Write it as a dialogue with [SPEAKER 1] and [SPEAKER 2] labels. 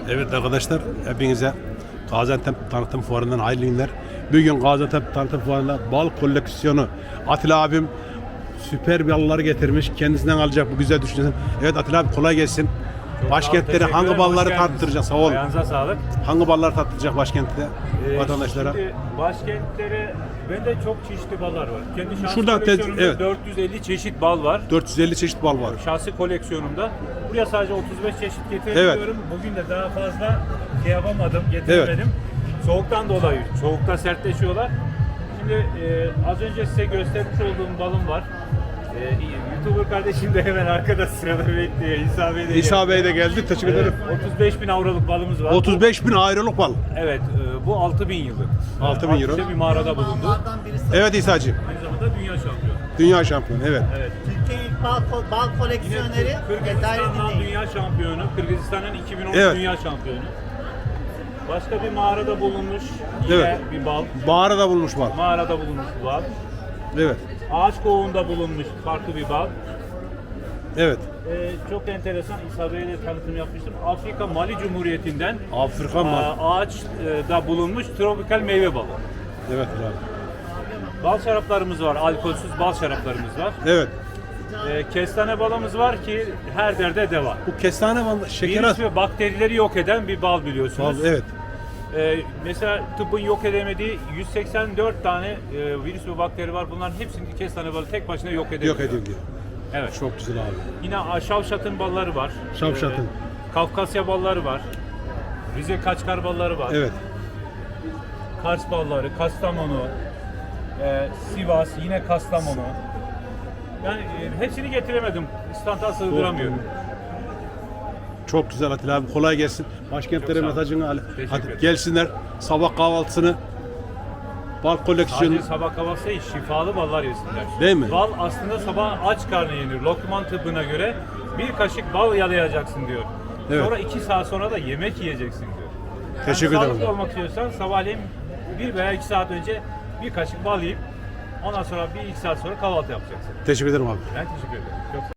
[SPEAKER 1] Evet arkadaşlar, hepinize Gaziantep Tanıtım Fuarı'ndan hayırlı günler. Bugün Gaziantep Tanıtım Fuarı'nda bal koleksiyonu. Atilla abim süper balları getirmiş. Kendisinden alacak bu güzel düşüncesini. Evet Atilla abi, kolay gelsin. Başkentleri hangi balları tattıracak? Sağ ol.
[SPEAKER 2] Ayağınıza sağlık.
[SPEAKER 1] Hangi ballar tattıracak başkentte vatandaşlara?
[SPEAKER 2] Şimdi başkentlere bende çok çeşitli ballar var. Kendi şahsi
[SPEAKER 1] Şurada
[SPEAKER 2] koleksiyonumda
[SPEAKER 1] evet.
[SPEAKER 2] 450 çeşit bal var.
[SPEAKER 1] 450 çeşit bal var.
[SPEAKER 2] Şahsi koleksiyonumda. Buraya sadece 35 çeşit getirebiliyorum. Bugün de daha fazla yapamadım, getiremedim. Soğuktan dolayı. Soğukta sertleşiyorlar. Şimdi az önce size göstermiş olduğum balım var. YouTuber kardeşim de hemen arkada sırada bekliyor.
[SPEAKER 1] İsa Bey de geldi. Teşekkür ederim.
[SPEAKER 2] 35.000 avroluk balımız var.
[SPEAKER 1] 35.000 ayrılık bal.
[SPEAKER 2] Evet, bu 6.000 yıllık.
[SPEAKER 1] 6.000 euro.
[SPEAKER 2] Bir mağarada bulundu.
[SPEAKER 1] Evet İsa'cığım.
[SPEAKER 2] Aynı zamanda dünya şampiyonu.
[SPEAKER 1] Dünya şampiyonu, evet.
[SPEAKER 2] Evet.
[SPEAKER 3] Türkiye ilk bal koleksiyoneri
[SPEAKER 2] Kırgızistan'dan dünya şampiyonu, Kırgızistan'ın 2010
[SPEAKER 1] Evet.
[SPEAKER 2] dünya şampiyonu. Başka bir mağarada bulunmuş yine
[SPEAKER 1] Evet.
[SPEAKER 2] bir bal.
[SPEAKER 1] Mağarada bulmuş bal.
[SPEAKER 2] Mağarada bulunmuş bir bal.
[SPEAKER 1] Evet.
[SPEAKER 2] Ağaç kovuğunda bulunmuş farklı bir bal.
[SPEAKER 1] Evet.
[SPEAKER 2] Çok enteresan, İsa Bey'le tanıtım yapmıştım. Afrika Mali Cumhuriyeti'nden
[SPEAKER 1] Afrika bal.
[SPEAKER 2] ağaçta bulunmuş tropikal meyve balı.
[SPEAKER 1] Evet abi.
[SPEAKER 2] Bal şaraplarımız var, alkolsüz bal şaraplarımız var.
[SPEAKER 1] Evet.
[SPEAKER 2] Kestane balımız var ki her derde deva.
[SPEAKER 1] Bu kestane balı şeker
[SPEAKER 2] Virüs ve bakterileri yok eden bir bal biliyorsunuz.
[SPEAKER 1] Evet.
[SPEAKER 2] Mesela tıbbın yok edemediği 184 tane virüs ve bakteri var. Bunların hepsini kestane balı tek başına yok edebiliyor.
[SPEAKER 1] Yok ediliyor.
[SPEAKER 2] Evet.
[SPEAKER 1] Çok güzel abi.
[SPEAKER 2] Yine Şavşat'ın balları var.
[SPEAKER 1] Şavşat'ın.
[SPEAKER 2] Kafkasya balları var. Rize Kaçkar balları var.
[SPEAKER 1] Evet.
[SPEAKER 2] Kars balları, Kastamonu, Sivas, yine Kastamonu. Yani hepsini getiremedim. İstanta sığdıramıyorum.
[SPEAKER 1] Çok güzel Atilla abi. Kolay gelsin. Başkentlere
[SPEAKER 2] Çok sağ ol.
[SPEAKER 1] mesajını al.
[SPEAKER 2] Teşekkür
[SPEAKER 1] Hadi
[SPEAKER 2] ederim.
[SPEAKER 1] gelsinler. Sabah kahvaltısını bal koleksiyonu.
[SPEAKER 2] Sadece sabah kahvaltısı değil, şifalı ballar yesinler.
[SPEAKER 1] Değil mi?
[SPEAKER 2] Bal aslında sabah aç karnı yenir. Lokman tıbbına göre bir kaşık bal yalayacaksın diyor.
[SPEAKER 1] Evet.
[SPEAKER 2] Sonra 2 saat sonra da yemek yiyeceksin diyor.
[SPEAKER 1] Teşekkür
[SPEAKER 2] Yani
[SPEAKER 1] ederim.
[SPEAKER 2] sağlıklı olmak istiyorsan sabahleyin 1 veya 2 saat önce bir kaşık bal yiyip ondan sonra 1-2 saat sonra kahvaltı yapacaksın.
[SPEAKER 1] Teşekkür ederim abi.
[SPEAKER 2] Ben teşekkür ederim. Çok